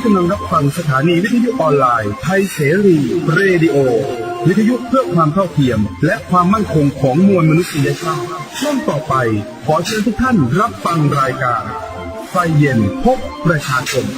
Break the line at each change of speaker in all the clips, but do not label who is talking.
กำลังรับฟังสถานีวิทยุออนไลน์ไทยเสรีเรดิโอวิทยุเพื่อความเท่าเทียมและความมั่นคงของมวลมนุษยชาติช่วงต่อไปขอเชิญทุกท่านรับฟังรายการไฟเย็นพบประชาชน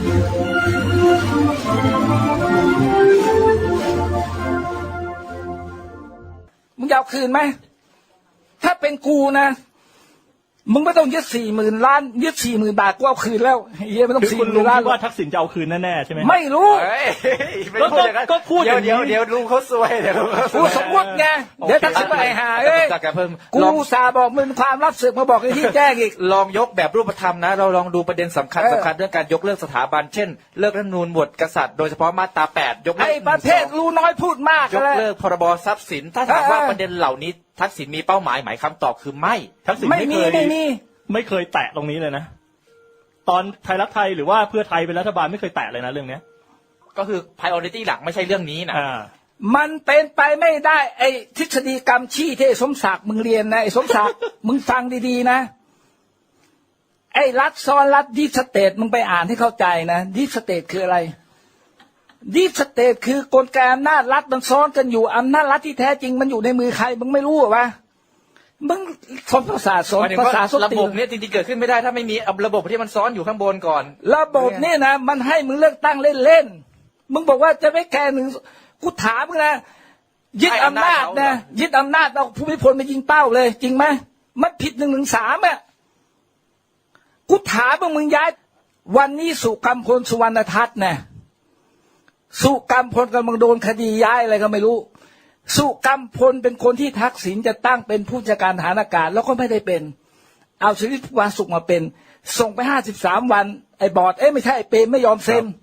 มึงจะเอาคืนไหมถ้าเป็นกูนะมึงไม่ต้องยึด40,000 ล้านยึด40,000 บาทกูเอาคืนแล้วเฮียไม่ต้อง40,000 ล้าน
ว่าทักษิณจะเอาคืนแน่ๆใช่ไหม
ไม่รู้
ก็พูดเ
ดี๋ยวลุงเขาซวยเดี๋ยว
กูสมมติไงเดี๋ยวทักษิณไปหากูสาบอกมึงความลับศึกมาบอกไอ้ที่แจ้งอีก
ลองยกแบบรูปธรรมนะเราลองดูประเด็นสำคัญเรื่องการยกเลิกสถาบันเช่นเลิกรัฐธรรมนูญหมวดกษัตริย์โดยเฉพาะมาตรา8ยกเลิก
ไอ้ประเภทรู้น้อยพูดมาก
ยกเลิกพรบทรัพย์สินถ้าถามว่าประเด็นเหล่านี้ทักษิณมีเป้าหมายคำตอบคือไม่
ทักษิณไม่เคยแตะตรงนี้เลยนะตอนไทยรักไทยหรือว่าเพื่อไทยเป็นรัฐบาลไม่เคยแตะเลยนะเรื่องนี้
ก็คือ priority หลักไม่ใช่เรื่องนี้นะ
มันเป็นไปไม่ได้ไอ้ทฤษฎีกรรมชี้ที่สมศักดิ์มึงเรียนนะไอ้สมศักดิ์ มึงฟังดีๆนะไอ้รัฐซ้อนรัฐดิสเตทมึงไปอ่านให้เข้าใจนะดิสเตทคืออะไรดิสเตทคือกลไกอำนาจรัฐมันซ้อนกันอยู่อำนาจรัฐที่แท้จริงมันอยู่ในมือใครมึงไม่รู้หรอวะมึงสอนภาษาสอนภาษาส
ระบบนี้จริงๆเกิดขึ้นไม่ได้ถ้าไม่มีระบบที่มันซ้อนอยู่ข้างบนก่อน
ระบบนี่นะมันให้มึงเลือกตั้งเล่นๆมึงบอกว่าจะไม่แก้1กูถามมึงนะยึดอำนาจนะยึดอำนาจเอาภูมิพลไปยิงเป้าเลยจริงไหมมันผิด113อ่ะกูถามมึงย้ายวันนี้สุกัมพลสุวรรณทัศน์นะสุกัมพลกำลังโดนคดีย้ายอะไรก็ไม่รู้สุกัมพลเป็นคนที่ทักษิณจะตั้งเป็นผู้จัดการทหารอากาศแล้วก็ไม่ได้เป็นเอาชลิตวาสุขมาเป็นส่งไป53 วันไอ้บอร์ดไม่ใช่ไอ้เปรมไม่ยอมเซ็น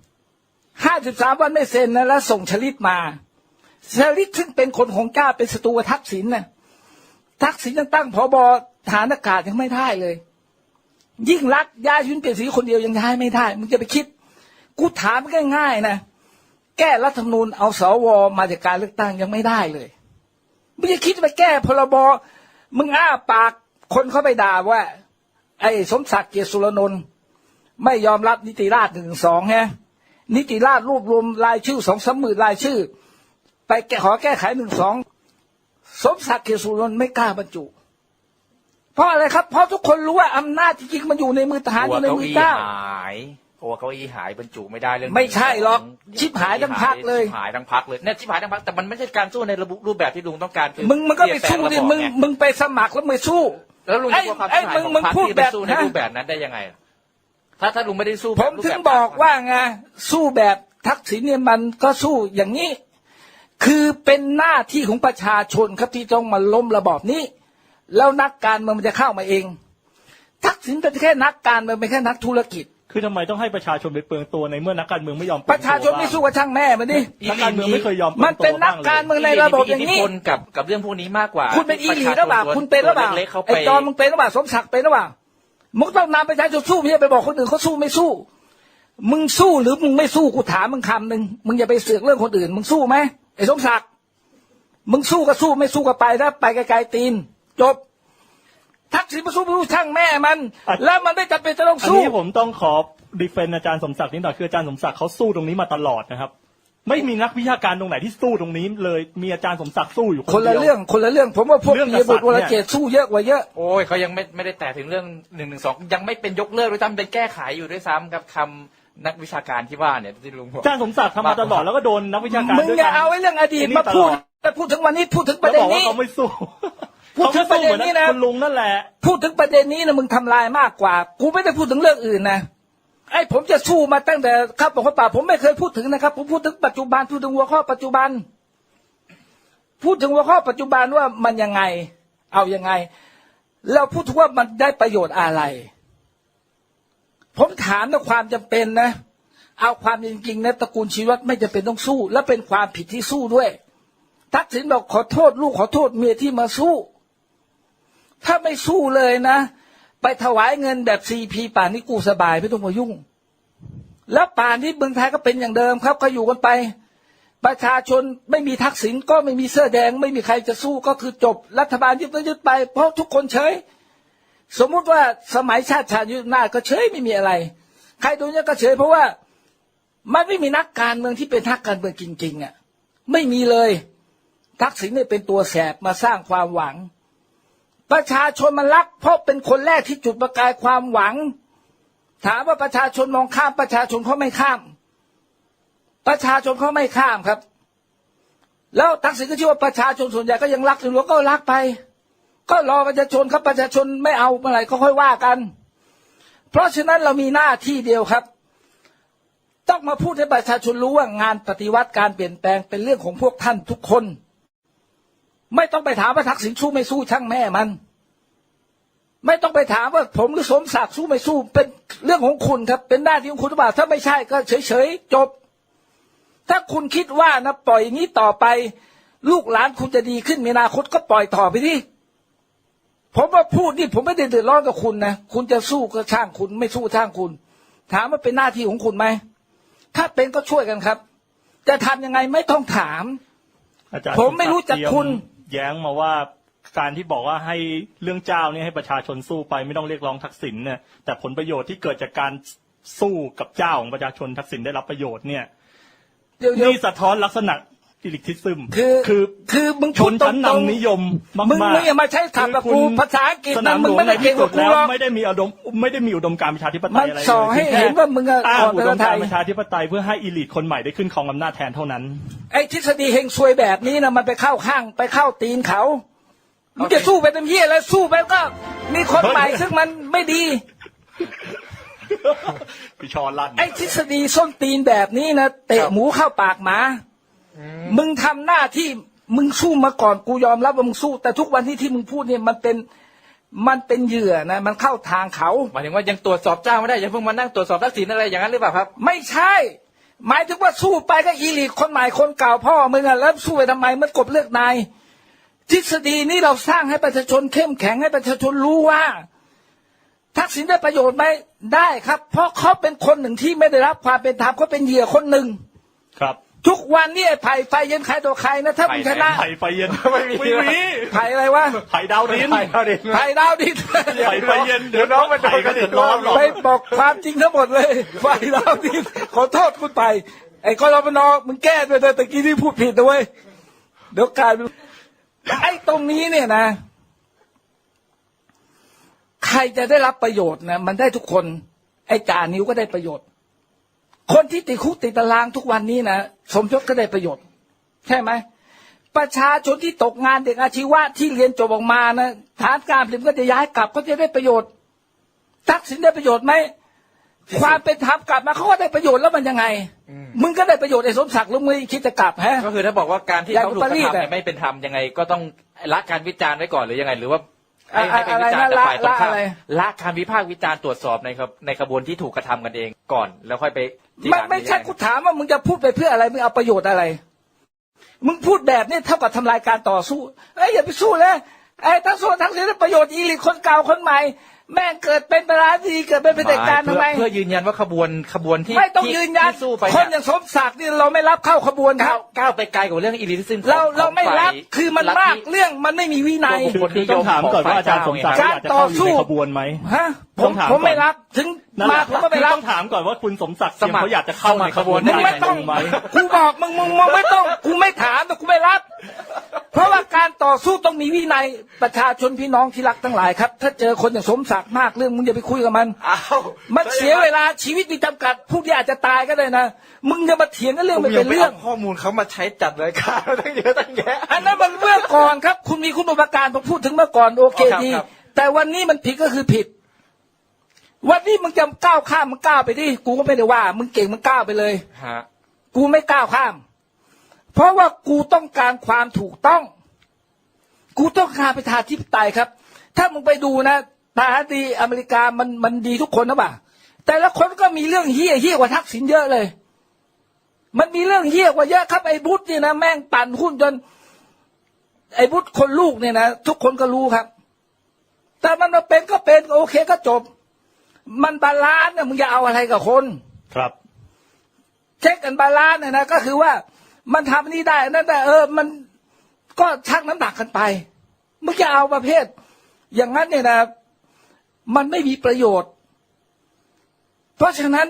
53 วันไม่เซ็นนะแล้วส่งชลิตมาชลิตซึ่งเป็นคนของกล้าเป็นศัตรูทักษิณนะทักษิณยังตั้งผบ.ทหารอากาศยังไม่ได้เลยยิ่งรักย้ายชุนเปลี่ยนสีคนเดียวยังย้ายไม่ได้มึงจะไปคิดกูถามง่ายๆนะแก้รัฐธรรมนูญเอาสว.มาจากการเลือกตั้งยังไม่ได้เลยมึงจะคิดไปแก้พรบ.มึงอ้าปากคนเข้าไปด่าว่าไอ้สมศักดิ์เกียรติสุรนนท์ไม่ยอมรับนิติราษฎร์112ฮะนิติราษฎร์รวบรวมรายชื่อ 2-3 หมื่นรายชื่อไปขอแก้ไข112สมศักดิ์เกียรติสุรนนท์ไม่กล้าบรรจุเพราะอะไรครับเพราะทุกคนรู้ว่าอำนาจจริงๆมันอยู่ในมือทหารอยู่ในมือเจ้า
เก้าอี้หายบรรจุไม่ได้เรื่อง
ไม่ใช่หรอกชิบหายทั้งพรรคเลย
ชิบหายทั้งพรรคเลยเนี่ยชิบหายทั้งพรรคแต่มันไม่ใช่การสู้ในรูปแบบที่ลุงต้องการ
มึงก็ไปสู้ดิมึงไปสมัครแล้วมึงสู้
แล้วลุงจะกลัวความชิบหายของพรรคที่ไปสู้ในรูปแบบนั้นได้ยังไงถ้าลุงไม่ได้สู้
ผมถึงบอกว่าไงสู้แบบทักษิณเนี่ยมันก็สู้อย่างนี้คือเป็นหน้าที่ของประชาชนครับที่ต้องมาล้มระบอบนี้แล้วนักการเมืองมันจะเข้ามาเองทักษิณเป็นแค่นักการเมืองเป็นแค่นักธุรกิจ
คือทำไมต้องให้ประชาชนไปเปลืองตัวในเมื่อนักการเมืองไม่ยอม
ประชาชนไม่สู้กับช่างแม่มันดิ
นักการเมืองไม่เคยยอม
มันเป็นนักการเมืองในระบบอย่างนี้
กับเรื่องพวกนี้มากกว่า
คุณเป็นอีหลีหรือเปล่าคุณเป็นหรือเปล่าไอ้จอมมึงเป็นหรือเปล่าสมศักดิ์เป็นหรือเปล่ามึงต้องนำประชาชนสู้ไม่ใช่ไปบอกคนอื่นเขาสู้ไม่สู้มึงสู้หรือมึงไม่สู้กูถามมึงคำหนึ่งมึงอย่าไปเสือกเรื่องคนอื่นมึงสู้ไหมไอ้สมศักดิ์มึงสู้ก็สู้ไม่สู้ก็ไปถ้าไปไกลๆตีนจบทักษิณมาสู้ไม่รู้ช่างแม่มันแล้วมันไม่จำเป็นจะต้องสู้
อันนี้ผมต้องขอดีเฟนอาจารย์สมศักดิ์นิดหน่อยคืออาจารย์สมศักดิ์เขาสู้ตรงนี้มาตลอดนะครับไม่มีนักวิชาการตรงไหนที่สู้ตรงนี้เลยมีอาจารย์สมศักดิ์สู้อยู่
คนละเรื่องผมว่าพวกมีบุตรวรเจตสู้เยอะกว่าเยอะ
โอ้ยเขายังไม่ได้แตะถึงเรื่อง112ยังไม่เป็นยกเลิกด้วยซ้ำเป็นแก้ไขอยู่ด้วยซ้ำกับคำนักวิชาการที่ว่าเนี่ยที่ลุงบอก
อาจารย์สมศักดิ์ทำมาตลอดแล้วก็โดนนักวิชาการ
มึงอย่าเอาไอ้เรื่องอดีตมาพูดถึงวันนี้พูดถึงประเด็นนี้
เขาไม่สู้
พูดถึงประเด็นนี้นะ
คุณลุงนั่นแหละ
พูดถึงประเด็นนี้นะมึงทำลายมากกว่ากูไม่ได้พูดถึงเรื่องอื่นนะไอ้ผมจะสู้มาตั้งแต่ครับบอกว่าป่าผมไม่เคยพูดถึงนะครับผมพูดถึงปัจจุบันพูดถึงหัวข้อปัจจุบันพูดถึงหัวข้อปัจจุบันว่ามันยังไงเอายังไงแล้วพูดถึงว่ามันได้ประโยชน์อะไรผมถามในความจำเป็นนะเอาความจริงๆนะตระกูลชีวัตรไม่จำเป็นต้องสู้และเป็นความผิดที่สู้ด้วยทักษิณบอกขอโทษลูกขอโทษเมียที่มาสู้ถ้าไม่สู้เลยนะไปถวายเงินแบบCPป่านนี้กูสบายไม่ต้องมายุ่งแล้วป่านนี้เมืองไทยก็เป็นอย่างเดิมครับก็อยู่กันไปประชาชนไม่มีทักษิณก็ไม่มีเสื้อแดงไม่มีใครจะสู้ก็คือจบรัฐบาลยึดไปเพราะทุกคนเฉยสมมุติว่าสมัยชาติยุทธนาก็เฉยไม่มีอะไรใครดูเนี่ยก็เฉยเพราะว่ามันไม่มีนักการเมืองที่เป็นนักการเมืองจริงๆอ่ะไม่มีเลยทักษิณเนี่ยเป็นตัวแสบมาสร้างความหวังประชาชนมันรักเพราะเป็นคนแรกที่จุดประกายความหวังถามว่าประชาชนมองข้ามประชาชนเขาไม่ข้ามประชาชนเขาไม่ข้ามครับแล้วทักษิณก็เชื่อว่าประชาชนส่วนใหญ่ก็ยังรักอยู่แล้วก็รักไปก็รอประชาชนครับประชาชนไม่เอาเมื่อไหร่ก็ค่อยว่ากันเพราะฉะนั้นเรามีหน้าที่เดียวครับต้องมาพูดให้ประชาชนรู้ว่างานปฏิวัติการเปลี่ยนแปลงเป็นเรื่องของพวกท่านทุกคนไม่ต้องไปถามว่าทักษิณสู้ไม่สู้ช่างแม่มันไม่ต้องไปถามว่าผมหรือสมศักดิ์สู้ไม่สู้เป็นเรื่องของคุณครับเป็นหน้าที่ของคุณหรือเปล่าถ้าไม่ใช่ก็เฉยๆจบถ้าคุณคิดว่านะปล่อยอย่างนี้ต่อไปลูกหลานคุณจะดีขึ้นมีอนาคตก็ปล่อยต่อไปดิผมว่าพูดนี่ผมไม่ได้เดือดร้อนกับคุณนะคุณจะสู้ก็ช่างคุณไม่สู้ช่างคุณถามว่าเป็นหน้าที่ของคุณไหมถ้าเป็นก็ช่วยกันครับจะทำยังไงไม่ต้องถาม
อาจารย์
ผมไม่รู้จักคุณ
แย้งมาว่าการที่บอกว่าให้เรื่องเจ้าเนี่ยให้ประชาชนสู้ไปไม่ต้องเรียกร้องทักษิณเนี่ยแต่ผลประโยชน์ที่เกิดจากการสู้กับเจ้าของประชาชนทักษิณได้รับประโยชน์เนี่ยนี่สะท้อนลักษณะอิลิทิซึม
คือมึง
ชนชั้นนำนิยมมากๆ
มึงอย่ามาใช้คำกับกูภาษาอังกฤษนั้นมึงไม่ได้เก่งกว่ากูหรอก
ไม่ได้มีอุดมการณ์ประชาธิปไตยอะไรเลย
มันสอนให้เห็นว่ามึง
อ้างอุดมการณ์ประชาธิปไตยเพื่อให้อีลิทคนใหม่ได้ขึ้นครองอำนาจแทนเท่านั้น
ไอ้ทฤษฎีเฮงซวยแบบนี้นะมันไปเข้าข้างไปเข้าตีนเขามึงจะสู้ไปเต็มที่แล้วสู้ไปก็มีคนใหม่ซึ่งมันไม่ดี
พี่ชอนลั่น
ไอ้ทฤษฎีส้นตีนแบบนี้นะเตะหมูเข้าปากหมามึงทำหน้าที่มึงสู้มาก่อนกูยอมรับว่ามึงสู้แต่ทุกวันที่มึงพูดเนี่ยมันเป็นเหยื่อนะมันเข้าทางเขา
หมายถึงว่ายังตรวจสอบเจ้าไม่ได้ยังเพิ่งมานั่งตรวจสอบทักษิณอะไรอย่างนั้นหรือเปล่าครับ
ไม่ใช่หมายถึงว่าสู้ไปก็อีลีทคนใหม่คนเก่าพ่อมึงอะแล้วสู้ไปทำไมมันกบเลือกนายทฤษฎีนี้เราสร้างให้ประชาชนเข้มแข็งให้ประชาชนรู้ว่าทักษิณได้ประโยชน์ไหมได้ครับเพราะเขาเป็นคนหนึ่งที่ไม่ได้รับความเป็นธรรมเขาเป็นเหยื่อคนหนึ่ง
ครับ
ทุกวันนี้ไผ่ไฟเย็นใครต่อใครนะถ้ามึงชนะ
ไผ่ไฟเย็นไม่มี
ไผ่อะไรวะ
ไผ่ดาวดิน
ไผ่ดาวดิน
ไผ่ไฟเย็นเดี๋ยวน้องมันโดนกระเด็นร้อนหรอก
ไปบอกความจริงทั้งหมดเลยไผ่ดาวดินขอโทษคุณไปไอ้กรมนมึงแก้ไปเลยตะกี้ที่พูดผิดนะเว้ยเดี๋ยวกลายเป็นไอ้ตรงนี้เนี่ยนะใครจะได้รับประโยชน์นะมันได้ทุกคนไอ้จ่านิ้วก็ได้ประโยชน์คนที่ติดคุกติดตารางทุกวันนี้นะสมยศก็ได้ประโยชน์ใช่ไหมประชาชนที่ตกงานเด็กอาชีวะที่เรียนจบออกมานะฐานการผลิตก็จะย้ายกลับก็จะได้ประโยชน์ทักษิณได้ประโยชน์ไหมความเป็นธรรมกลับมาเขาก็ได้ประโยชน์แล้วมันยังไงมึงก็ได้ประโยชน์ไอ้สมศักดิ์แล้วมึงคิดจะกลับฮะ
ก็คือถ้าบอกว่าการที่เขาถูกกระทำเนี่ยไม่เป็นธรรมยังไงก็ต้องละการวิจารณ์ไว้ก่อนหรือยังไงหรือว่าให้ไปวิจารณ์จากฝ่ายตรงข้ามละการวิพากษ์วิจารณ์ตรวจสอบในขบวนที่ถูกกระทำกันเองก่อนแล้วค่อยไป
ไม่ใช่กูถามว่ามึงจะพูดไปเพื่ออะไรมึงเอาประโยชน์อะไรมึงพูดแบบนี้เท่ากับทำลายการต่อสู้อย่าไปสู้เลยทั้งส่วนทั้งเสียประโยชน์อีลิทคนเก่าคนใหม่แม่งเกิดเป็นประธานาธิบดีเกิดเป็นเผด็จการทำไม
เพื่อยืนยันว่าขบวนที่
ไม่ต้องยืนยันคนอย่างสมศักดิ์นี่เราไม่รับเข้าขบวนครับ
ก้าวไปไกลกว่าเรื่องอีลิทซึ่ง
เราไม่รับคือมันมากเรื่องมันไม่มีวินัย
ต้องถามก่อนว่าอาจารย์สมศักดิ์อยากจะเข้าอยู่ในขบวนไหม
ฮะผมไม่รับถึงมาผมก็ไม่รับ
ต้องถามก่อนว่าคุณสมศักดิ์เขาอยากจะเข้าในขบวน
ไม่ต้องกูบอกมึงไม่ต้องกูไม่ถามแต่กูไม่รับเพราะว่าการต่อสู้ต้องมีวินัยประชาชนพี่น้องที่รักทั้งหลายครับถ้าเจอคนอย่างสมศักดิ์มากเรื่องมึงอย่าไปคุยกับมันมันเสียเวลาชีวิตมีจำกัดผู้ที่อาจจะตายก็ได้นะมึงจะมาเถียงกันเรื่องไม่เป็นเรื่อง
ข้อมูลเขามาใช้จัดรายการตั้งเยอะตั้งแยะ
อันนั้นมันเมื่อก่อนครับคุณมีคุณอุปการผมพูดถึงเมื่อก่อนโอเคดีแต่วันนี้มันผิดก็คือผิดวันนี้มึงจะก้าวข้ามมึงก้าวไปดิกูก็ไม่ได้ว่ามึงเก่งมึงก้าวไปเลยกูไม่ก้าวข้ามเพราะว่ากูต้องการความถูกต้องกูต้องการประชาธิปไตยครับถ้ามึงไปดูนะประธานาธิบดีอเมริกามันดีทุกคนนะป่ะแต่ละคนก็มีเรื่องเหี้ยกว่าทักษิณเยอะเลยมันมีเรื่องเหี้ยกว่าเยอะครับไอ้บุชนี่นะแม่งปั่นหุ้นจนไอ้บุชคนลูกเนี่ยนะทุกคนก็รู้ครับแต่มันมาเป็นก็เป็นโอเคก็จบมันบาลานซ์นะมึงจะเอาอะไรกับคน
ครับ
เช็คกันบาลานซ์นะก็คือว่ามันทำนี่ได้นั่นแต่มันก็ชั่งน้ำหนักกันไปมึงจะเอาประเภทอย่างนั้นเนี่ยนะมันไม่มีประโยชน์เพราะฉะนั้น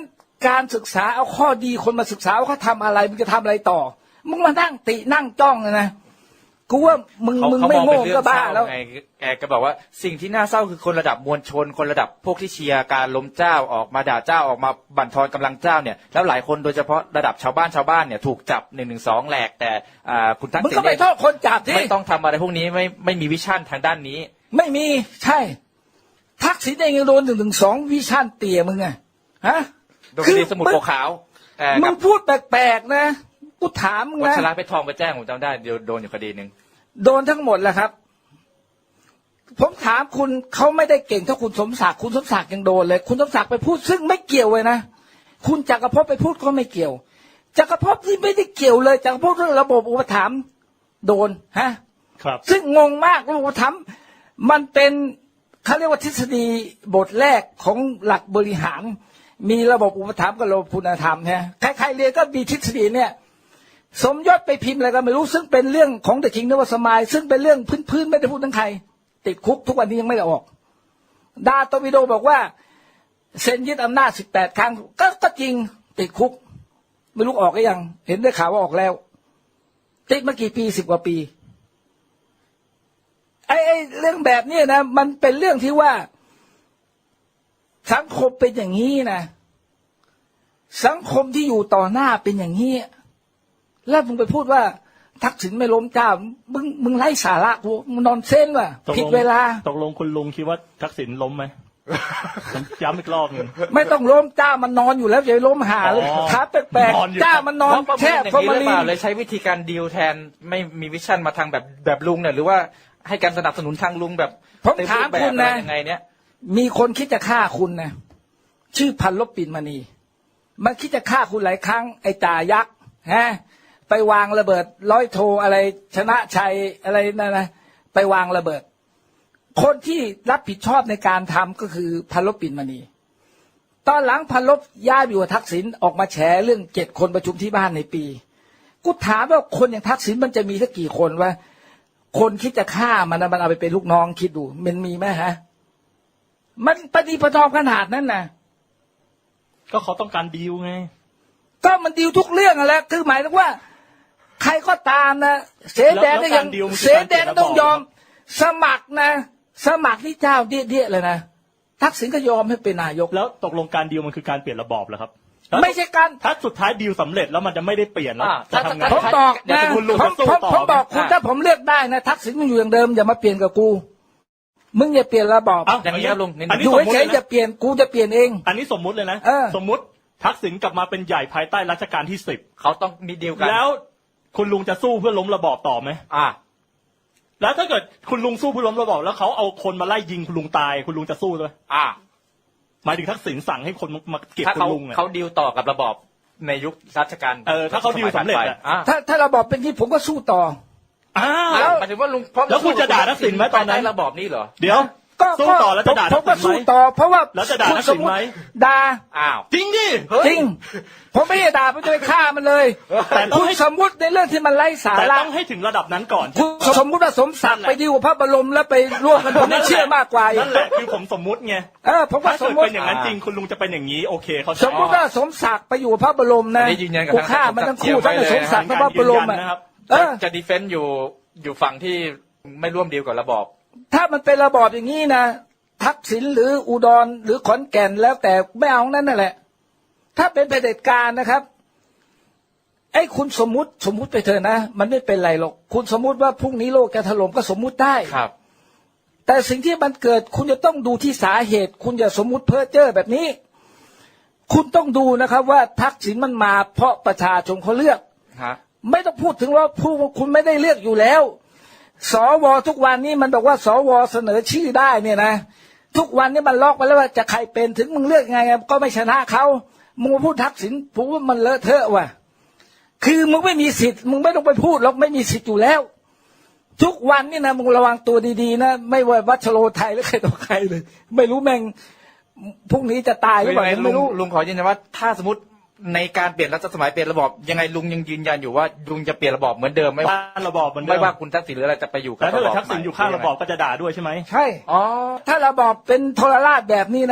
การศึกษาเอาข้อดีคนมาศึกษาว่าเขาทำอะไรมึงจะทำอะไรต่อมึงมานั่งตินั่งจ้องนะกูว่ามึงไม่โง่ก็บ้าแล้ว
แกก็บอกว่าสิ่งที่น่าเศร้าคือคนระดับมวลชนคนระดับพวกที่เชียร์การล้มเจ้าออกมาด่าเจ้าออกมาบั่นทอนกำลังเจ้าเนี่ยแล้วหลายคนโดยเฉพาะระดับชาวบ้านเนี่ยถูกจับ112แหลกแต่คุณทักษิณ
มึงก็ไปโทษคนจับที่
ไม่ต้องทำอะไรพวกนี้ไม่มีวิชั่นทางด้านนี้
ไม่มีใช่ทักษิณเองยังโดน112วิชั่นเตี่ยมึงไงฮะ
โดนคดีสมุดปกขาว
มึงพูดแปลกๆนะกูถามมึงนะ
วัชระเพชรทองไปแจ้งผมจำได้เดี๋ยวโดนอยู่คดีนึง
โดนทั้งหมดแหละครับผมถามคุณเขาไม่ได้เก่งเท่าคุณสมศักดิ์คุณสมศักดิ์ยังโดนเลยคุณสมศักดิ์ไปพูดซึ่งไม่เกี่ยวเลยนะคุณจักรภพไปพูดก็ไม่เกี่ยวจักรภพที่ไม่ได้เกี่ยวเลยจักรภพเรื่องระบบอุปถัมภ์โดนฮะ
ครับ
ซึ่งงงมากระบบอุปถัมภ์มันเป็นเขาเรียกว่าทฤษฎีบทแรกของหลักบริหารมีระบบอุปถัมภ์กับระบบคุณธรรมฮะใครๆเรียนก็มีทฤษฎีเนี่ยสมยศไปพิมพ์อะไรก็ไม่รู้ซึ่งเป็นเรื่องของเดอะคิงนวสมายซึ่งเป็นเรื่องพื้นๆไม่ได้พูดทั้งใครติดคุกทุกวันนี้ยังไม่ได้ออกดาโตวิโดบอกว่าเซ็นยึดอำนาจ18 ครั้งก็จริงติดคุกไม่รู้ออกหรือยังเห็นได้ข่าวว่าออกแล้วติดมากี่ปี10 กว่าปีไอ้เรื่องแบบนี้นะมันเป็นเรื่องที่ว่าสังคมเป็นอย่างนี้นะสังคมที่อยู่ต่อหน้าเป็นอย่างนี้แล้วมึงไปพูดว่าทักษิณไม่ล้มเจ้ามึงไร้สาระกูมึงนอนเส้นว่ะผิดเวลา
ตกลงคุณลุงคิดว่าทักษิณล้มไหม ย้ำอีกรอบนึง
ไม่ต้องล้มเจ้ามันนอนอยู่แล้วอย่าล้มหาขาแปลกๆเจ้ามันนอนแช่ฟอร์มาลีน
เลยใช้วิธีการดีลแทนไม่มีวิชั่นมาทางแบบลุงเนี่ยหรือว่าให้การสนับสนุนทางลุงแบบ
ผมถามคุณนะ
ยังไงเนี่ย
มีคนคิดจะฆ่าคุณนะชื่อพันลบปิ่นมณีมันคิดจะฆ่าคุณหลายครั้งไอ้จ่ายักษ์ฮะไปวางระเบิดร้อยโทอะไรชนะชัยอะไรนั่นนะไปวางระเบิดคนที่รับผิดชอบในการทำก็คือพันลบปิ่นมณีตอนหลังพันลบย้ายไปอยู่ทักษิณออกมาแฉเรื่อง7 คนประชุมที่บ้านในปีกูถามว่าคนอย่างทักษิณมันจะมีสักกี่คนวะคนคิดจะฆ่ามันเอาไปเป็นลูกน้องคิดดูมันมีไหมฮะมันปฏิปทาขนาดนั้นนะ
ก็เขาต้องการดีลไง
ก็มันดีลทุกเรื่องแหละคือหมายถึงว่าใครก็ตามนะเสแดงก็ยังเสแดงต้องยอมสมัครนะสมัครที่เจ้าเดี้ยเลยนะทักษิณก็ยอมให้เป็นนายก
แล้วตกลงการดีลมันคือการเปลี่ยนระบอบเหรอครับ
ไม่ใช่การ
ถ้าสุดท้ายดีลสำเร็จแล้วมันจะไม่ได้เปลี่ยนแล้วจะทำไง
ผมบอกนะผมบอกคุณถ้าผมเลือกได้นะทักษิณมันอยู่อย่างเดิมอย่ามาเปลี่ยนกับกูมึงอย่าเปลี่ยนระบอบ
อย่างนี้ครับลุง
อยู่เฉยๆจะเปลี่ยนกูจะเปลี่ยนเอง
อันนี้สมมุติเลยนะสมมุติทักษิณกลับมาเป็นใหญ่ภายใต้รัชกาลที่10
เขาต้องมีดีลกัน
แล้วคุณลุงจะสู้เพื่อล้มระบอบต่อไหมแล้วถ้าเกิดคุณลุงสู้เพื่อล้มระบอบแล้วเขาเอาคนมาไล่ยิงคุณลุงตายคุณลุงจะสู้ด้วยหมายถึงทักษิณสั่งให้คนมาเก็บคุณลุง
เขาดีลต่อกับระบอบในยุครัชกาล
ถ้าเขาดีลสำเร็จ
ถ้าระบอบเป็นที่ผมก็สู้ต่อ
แล้วหมายถึงว่าลุง
แล้วคุณจะด่าทักษิณไหมตอนนั้น
ระบอบนี้เหรอ
เดี๋ยวสู้ต่อแล้วจะด่าทักษิณไหมผมก็
สู้ต่อเพราะว่า
แล้วจะด่าทักษิณไหม
ด่า
จริงดิ
จริงผมไม่ได้ด่าไปด้วยฆ่ามันเลยแต่คุณสมมุติในเรื่องที่มันไร้สาระ
แต่ต้องให้ถึงระดับนั้นก่อน
คุณสมมุติว่าสมศักดิ์ไปดิวพระบรมแล้วไปร่วมกันผมไม่เชื่อมากกว่า
นั่นแหละคือผมสมมุติไง
ผมว่าสมมุติ
เป็นอย่างนั้นจริงคุณลุงจะเป็นอย่างนี้โอเคเขา
สมมุติว่าสมศักดิ์ไปอยู่พระบรมนะกูฆ่ามันทั้งคู่ทั้งสมศักดิ์ทั้งพระบรม
จะดีเฟนต์อยู่ฝั่งที่ไม่ร่วมดีลกับระบอบ
ถ้ามันเป็นระบอบอย่างนี้นะทักษิณหรืออุดรหรือขอนแก่นแล้วแต่ไม่เอานั่นแหละถ้าเป็นเผด็จการนะครับไอ้คุณสมมุติไปเถอะนะมันไม่เป็นไรหรอกคุณสมมุติว่าพรุ่งนี้โลกจะถล่มก็สมมุติได้
ครับ
แต่สิ่งที่มันเกิดคุณจะต้องดูที่สาเหตุคุณอย่าสมมุติเพ้อเจ้อแบบนี้คุณต้องดูนะครับว่าทักษิณมันมาเพราะประชาชนเขาเลือกไม่ต้องพูดถึงว่าคุณไม่ได้เลือกอยู่แล้วสวทุกวันนี้มันบอกว่าสวเสนอชื่อได้เนี่ยนะทุกวันนี้มันล็อกไปแล้วว่าจะใครเป็นถึงมึงเลือกไงก็ไม่ชนะเขามึงมาพูดทักษิณผมว่ามันเลอะเทอะว่ะคือมึงไม่มีสิทธิ์มึงไม่ต้องไปพูดหรอกไม่มีสิทธิ์อยู่แล้วทุกวันนี่นะมึงระวังตัวดีๆนะไม่ว่าวัชโรไทยหรือใครต่อใครเลยไม่รู้แม่งพรุ่งนี้จะตายหรือเปล่าไม่รู้
ลุงขอยืนยันว่าถ้าสมมติในการเปลี่ยนรัชสมัยเปลี่ยนระบอบยังไงลุงยังยืนยันอยู่ว่าลุงจะเปลี่ยนระบอบเหมือนเดิมไม่ว่า
ระบอบเหมือนเดิม
ไม่ว่าคุณทักษิณหรืออะไรจะไปอยู่กับ
ระบอบถ้าทักษิณอยู่ข้างระบอบก็จะด่าด้วยใช่ไหม
ใช่ถ้าระบอบเป็นโทรราชแบบนี้นะ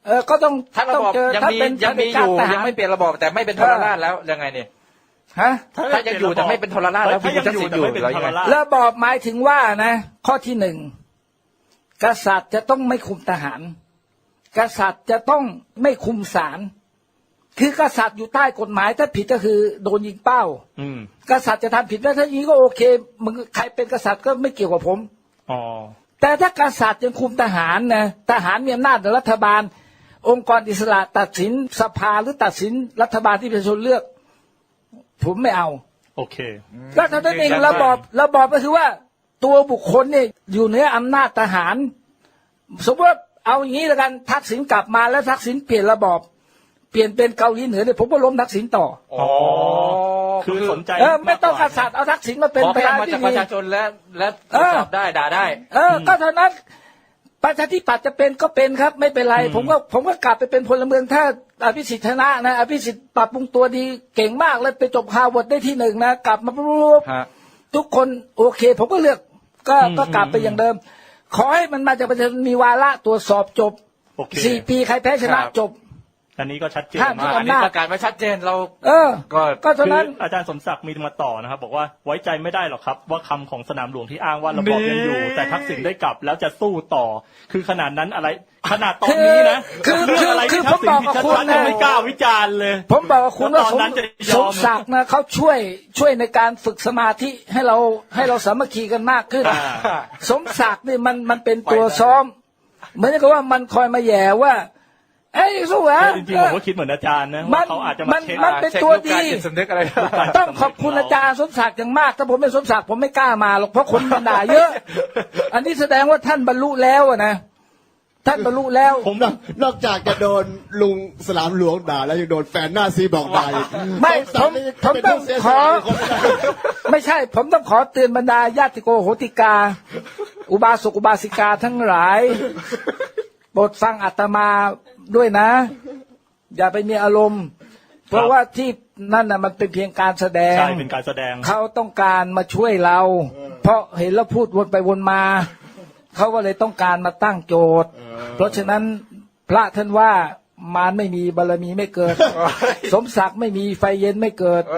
ก็ต้อง
ถ้าระบอบ
เจอ
ยัง
ถ้า
มี
เป็น
ยังมีอยู่ยังไม่เปลี่ยนระบอบแต่ไม่เป็นทรราชแล้วยังไงเนี่ย
ฮะ
ถ้ายังอยู่แต่ไม่เป็นทรราชแล้ว
ถ้า
พี่
ยัง
ทัก
อยู่
ษิณ
แต่
อยู่
ไม่เป็น
แล้ว
ท
ยัง
ร
ไง
ราช
ระบอบหมายถึงว่านะ ข้อที่หนึ่งกษัตริย์จะต้องไม่คุมทหาร กษัตริย์จะต้องไม่คุมศาลคือกษัตริย์อยู่ใต้กฎหมายถ้าผิดก็คือโดนยิงเป้า
อืม
กษัตริย์จะทำผิดแล้วถ้าอย่างนี้ก็โอเคมึงใครเป็นกษัตริย์ก็ไม่เกี่ยวกับผม
อ๋อ
แต่ถ้ากษัตริย์ยังคุมทหารนะทหารมีอำนาจในรัฐบาล องค์กรอิสระตัดสินสภาหรือตัดสินรัฐบาลที่ประชาชนเลือก ผมไม่เอา
โอเค
ก็เท่านั้นเองระบอบก็คือว่าตัวบุคคลเนี่ยอยู่เหนืออำนาจทหาร สมมติว่าเอาอย่างนี้แล้วกันทักษิณกลับมาแล้วทักษิณเปลี่ยนระบอบเปลี่ยนเป็นเกาหลีเหนือเนี่ยผมก็ล้มทักษิณต่อ
อ๋อ คือสนใจ
ไม่ต้องกษัตริย์เอาทักษิณมาเป็น
ขอ
ประ
ให้
ธาน
มา
ที่
จากป
ดี
ระชาชนและตรวจสอบได้ด่าได้
ก็เท่านั้นประชาธิปัตย์จะเป็นก็เป็นครับ ไม่เป็นไร ผมก็กลับไปเป็นพลเมืองถ้าอภิสิทธิ์ชนะนะอภิสิทธิ์ปรับปรุงตัวดีเก่งมากเลยไปจบฮาร์วาร์ดได้ที่หนึ่งนะกลับมาปุ๊บ
ฮะ
ทุกคนโอเค ผมก็เลือกก็กลับไปอย่างเดิม ขอให้มันมาจากประชาชนมีวาระตรวจสอบจบ
โอเค
4 ปีใครแพ้ชนะครับ จบ
อันนี้ก็ชัดเจน
ห้าม
มาก
อันนี้ประกาศไว้ชัดเจนเรา
ก็เท่า
คือ
นั้น
อาจารย์สมศักดิ์มีมาต่อนะครับ บอกว่าไว้ใจไม่ได้หรอกครับ ว่าคำของสนามหลวงที่อ้างว่าระบอบยังอยู่ แต่ทักษิณได้กลับแล้วจะสู้ต่อ คือขนาดนั้นอะไรขนาดตอนนี้นะ
คือ
เรื่องอะไร
คือ
ที่ทักษิณ
ผมบอกกับ
ชัด
คุณ
ๆ
นะ
ยังไม่กล้าวิจารณ์เลย
ผมบอกกับคุณว่า
ตอนนั้นจะย
ส
อ
ม
ม
ศักดิ์นะเขาช่วยในการฝึกสมาธิให้เราสามัคคีกันมากขึ้น สมศักดิ์นี่มันเป็นตัวซ้อม เหมือนกับว่ามันคอยมาแย่ว่าเอ้ยสู้อ่ะ
จริงๆผมก็คิดเหมือนอาจารย์นะว่าเขาอาจจะมาเช็ค
มันเป็นตัวดี
เช็ครูปการจิตสำนึกอะไร
ต้องขอบคุณอาจารย์สมศักดิ์อย่างมากถ้าผมเป็นสมศักดิ์ผมไม่กล้ามาหรอกเพราะคนมันด่าเยอะ อันนี้แสดงว่าท่านบรรลุแล้วอะนะท่านบรรลุแล้ว
ผม
นอกจากจะโดนลุงสนามหลวงด่าแล้วยังโดนแฟนหน้าซีบอกด่าอีก
ไม่
สงสารนี่
ผม
เป็น
ต้อง
ผู้เสีย
ข
ส
อ
ละคนไม่ได้
ไม่ใช่ ผมต้องขอเตือนบรรดาญาติโกโหติกา อุบาสกอุบาสิกาทั้งหลายโปรดฟังอาตมาด้วยนะ อย่าไปมีอารมณ์ เพราะว่าที่นั่นน่ะมันเป็นเพียงการแสดง
ใช่เป็นการแสดง
เขาต้องการมาช่วยเรา เพราะเห็นเราพูดวนไปวนมา เขาก็เลยต้องการมาตั้งโจทย์ เพราะฉะนั้นพระท่านว่ามารไม่มีบารมีไม่เกิด สมศักดิ์ไม่มีไฟเย็นไม่เกิด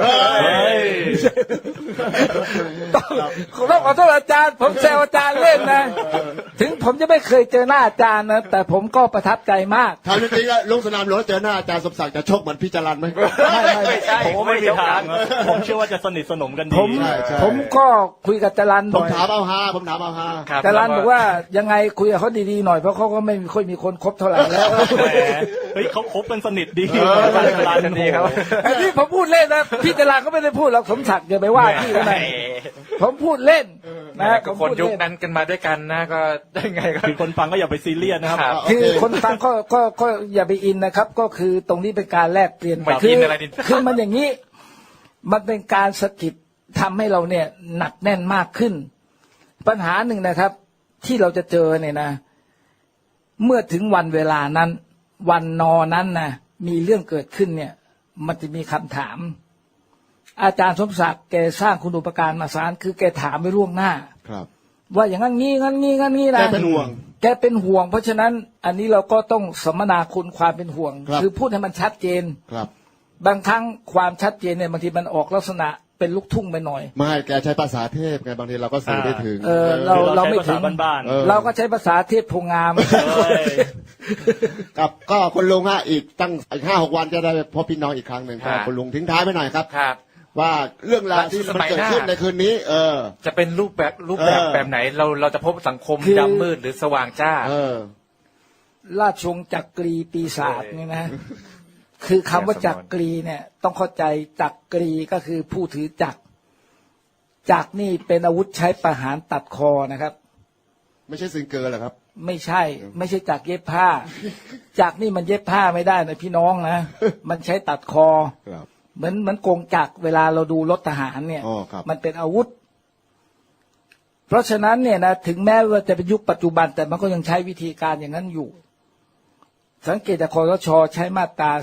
ต้องขอโทษอาจารย์ ผมแซวอาจารย์เล่นนะ ถึงผมจะไม่เคยเจอหน้าอาจารย์นะ แต่ผมก็ประทับใจมาก
ถามจริงๆแล้วลุงสนามหลวงเจอหน้าอาจารย์สมศักดิ์จะชกเหมือนพี่จรัญไหม
ไม่ใช่
ผมก็ไม่มีทางนะผมเชื่อว่าจะสนิทสนมกันดี
ผม
ใช่
ผมก็คุยกับจรัน
ผ
บ่
ม
อย
ถามเอาฮาผมถามเอาฮา
ครับ
จรันบอกว่ายังไงคุยกับเขาดีๆหน่อยเพราะเขาก็ไม่ค่อยมีคนคบเท่าไหร่แล้ว
แหมเฮ้ยเขาคบกันสนิทดี
ร้านกันดีครับ
อันนี้ผมพูดเล่นนะพี่จรันก็ไม่ได้พูดหรอกสมศักดิ์อย่าไปว่าพี่เขาหน่อยผมพูดเล่นนะ
ก็
ผม
คน
พูด
ยุค
เล่น
นั้นกันมาด้วยกันนะก็ได้ไงก็
คือคนฟังก็อย่าไปซีเรียสนะครับ
ครับ
คือคนฟังก็อย่าไปอินนะครับ ก็คือตรงนี้เป็นการแลกเปลี่ยน
ไม่
คื
อินอะไรนี่
คือมันอย่างนี้ มันเป็นการสะกิดทำให้เราเนี่ยหนักแน่นมากขึ้น ปัญหาหนึ่งนะครับ ที่เราจะเจอเนี่ยนะ เมื่อถึงวันเวลานั้น วันนอนั้นนะมีเรื่องเกิดขึ้นเนี่ย มันจะมีคำถาม อาจารย์สมศักดิ์แกสร้างคุณูปการมาสารคือแกถามไปล่วงหน้า
ครับ
ว่าอย่างนั้นงี้นะ
แกเป็นห่วง
แกเป็นห่วง เพราะฉะนั้นอันนี้เราก็ต้องสมนาคุณความเป็นห่วง
ครับ
คือพูดให้มันชัดเจน
ครับ
บางครั้งความชัดเจนเนี่ยบางทีมันออกลักษณะเป็นลูกทุ่งไปหน่อย
ไม่แกใช้ภาษาเทพไงบางทีเราก็สื่อได้ถึง
เราไม่ถึง
ใช้ภาษาบ้าน
เราก็ใช้ภาษาเทพโพงาม
ๆเฮ้ย
กับก็คุณลุงฮะอีกตั้งอีก5-6 วันจะได้พบพี่น้องอีกครั้งหนึ่ง
ครับ
คุณลุงทิ้งท้ายไปหน่อยครับ
ครับ
ว่าเรื่องราวที่มันเกิดขึ้นในคืนนี้
จะเป็นรูปแบบแบบไหนเราจะพบสังคม
คือ
ดำมืดหรือสว่างจ้า
ราชวงศ์จักรีปีศาจเนี่ยนะ คือคำว่าจักรีเนี่ย ต้องเข้าใจจักรีก็คือผู้ถือจักรจักรนี่เป็นอาวุธใช้ประหารตัดคอนะครับ
ไม่ใช่ซิงเกิลเหรอครับ
ไม่ใช่จักรเย็บผ้า จักรนี่มันเย็บผ้าไม่ได้นะพี่น้องนะ มันใช้ตัดคอ
ครับ
เหมือนกงจักรเวลาเราดูรถทหารเนี่ย
อ๋อครับ
มันเป็นอาวุธ เพราะฉะนั้นเนี่ยนะถึงแม้ว่าจะเป็นยุคปัจจุบัน แต่มันก็ยังใช้วิธีการอย่างนั้นอยู่ สังเกตจากคสช.ใช้มาตรา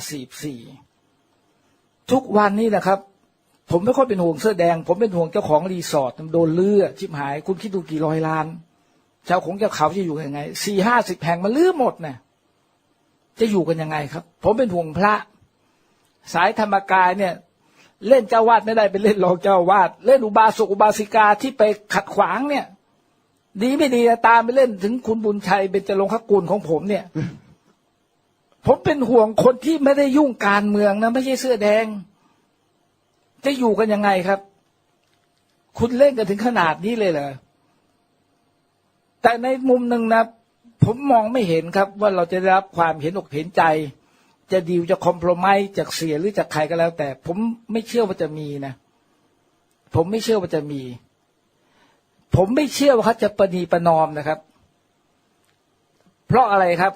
44ทุกวันนี้นะครับ ผมไม่ค่อยเป็นห่วงเสื้อแดง ผมเป็นห่วงเจ้าของรีสอร์ทโดนเลื่อชิบหาย คุณคิดดูกี่ร้อยล้านชาวของเจ้าเขาจะอยู่ยังไง40-50 แห่งมันลื้อหมดนะจะอยู่กันยังไงครับ ผมเป็นห่วงพระ สายธรรมกายเนี่ย เล่นเจ้าวาดไม่ได้ไปเล่นรองเจ้าวาดเล่นอุบาสกอุบาสิกาที่ไปขัดขวางเนี่ย ดีไม่ดีตามไปเล่นถึงคุณบุญชัยเบญจรงคกุลของผมเนี่ย ผมเป็นห่วงคนที่ไม่ได้ยุ่งการเมืองนะไม่ใช่เสื้อแดง จะอยู่กันยังไงครับ คุณเล่นกันถึงขนาดนี้เลยเหรอแต่ในมุมหนึ่งนะ ผมมองไม่เห็นครับ ว่าเราจะได้รับความเห็นอกเห็นใจ จะดีลจะคอมโพรไมซ์จากเสียหรือจากใครก็แล้ว แต่ผมไม่เชื่อว่าจะมีนะผมไม่เชื่อว่าจะมี ผมไม่เชื่อว่าเขาจะประนีประนอมนะครับ เพราะอะไรครับ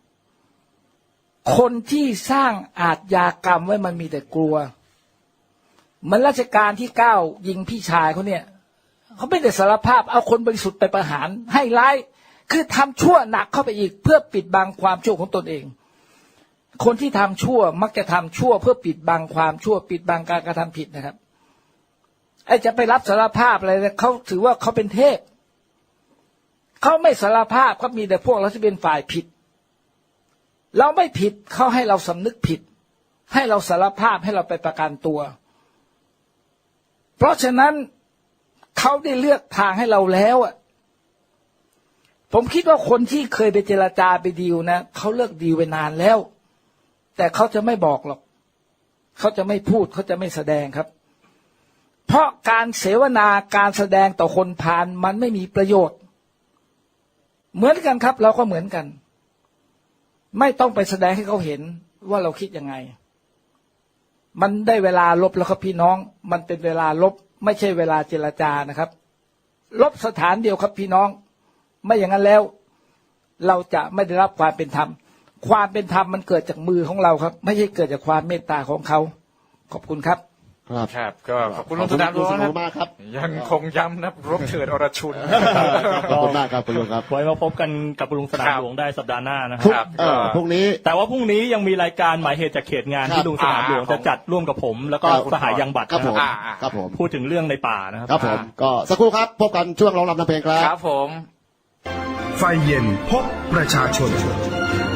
คนที่สร้างอาชญากรรมไว้มันมีแต่กลัวเหมือนรัชกาลที่9ยิงพี่ชายเขาเนี่ยเขาไม่ได้สารภาพเอาคนบริสุทธิ์ไปประหารให้ร้ายคือทำชั่วหนักเข้าไปอีกเพื่อปิดบังความชั่วของตนเองคนที่ทำชั่วมักจะทำชั่วเพื่อปิดบังความชั่วปิดบังการกระทำผิดนะครับไอ้จะไปรับสารภาพอะไรเขาถือว่าเขาเป็นเทพเขาไม่สารภาพเขามีแต่พวกเราที่เป็นฝ่ายผิดเราไม่ผิดเขาให้เราสำนึกผิดให้เราสารภาพให้เราไปประกันตัวเพราะฉะนั้นเขาได้เลือกทางให้เราแล้วอ่ะผมคิดว่าคนที่เคยไปเจรจาไปดีลนะเขาเลิกดีลไปนานแล้วแต่เขาจะไม่บอกหรอกเขาจะไม่พูดเขาจะไม่แสดงครับเพราะการเสวนาการแสดงต่อคนพาลมันไม่มีประโยชน์เหมือนกันครับเราก็เหมือนกันไม่ต้องไปแสดงให้เขาเห็นว่าเราคิดยังไงมันได้เวลาลบแล้วครับพี่น้องมันเป็นเวลาลบไม่ใช่เวลาเจรจานะครับลบสถานเดียวครับพี่น้องไม่อย่างนั้นแล้วเราจะไม่ได้รับความเป็นธรรมความเป็นธรรมมันเกิดจากมือของเราครับไม่ใช่เกิดจากความเมตตาของเขาขอบคุณครับ
ครับก็ขอบคุณลุงสนามหลวงนะครับยังคงย้ำนะรบเถิดอรชุน
ขอบคุณมากครับคุณลุงครับ
ไว้มาพบกันกับลุงสนามหลวงได้สัปดาห์หน้านะครับ
พรุ่งนี้
แต่ว่าพรุ่งนี้ยังมีรายการหมายเหตุจากเขตงานที่ลุงสนามหลวงจะจัดร่วมกับผมแล้วก็สหายยังบัตร
ครับผม
พูดถึงเรื่องในป่านะครับ
ครับผมก็สักครู่ครับพบกันช่วงร้องรำทำเพลงครับ
ครับผม
ไฟเย็นพบประชาชน